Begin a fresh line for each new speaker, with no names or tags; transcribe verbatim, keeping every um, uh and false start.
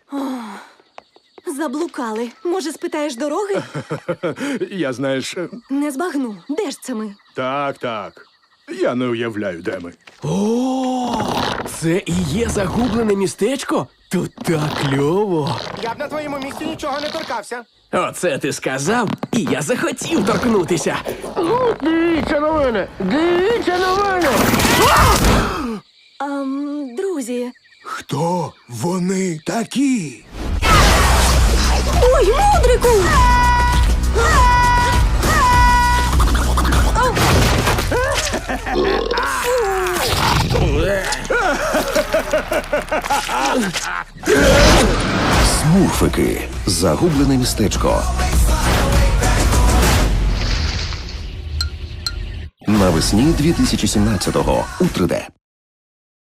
Заблукали. Може, спитаєш дороги?
Я, знаєш, е,
Не збагну. Де ж це ми?
так, так. Я не уявляю, де ми.
О, це і є загублене містечко? Тут так кльово.
Я б на твоєму місці нічого не торкався.
Оце ти сказав, і я захотів торкнутися.
Дивіться на мене! Дивіться на мене!
Ам, друзі.
Хто вони такі?
Ой, мудрику!
Смурфики. Загублене містечко. Навесні дві тисячі сімнадцятого у три де.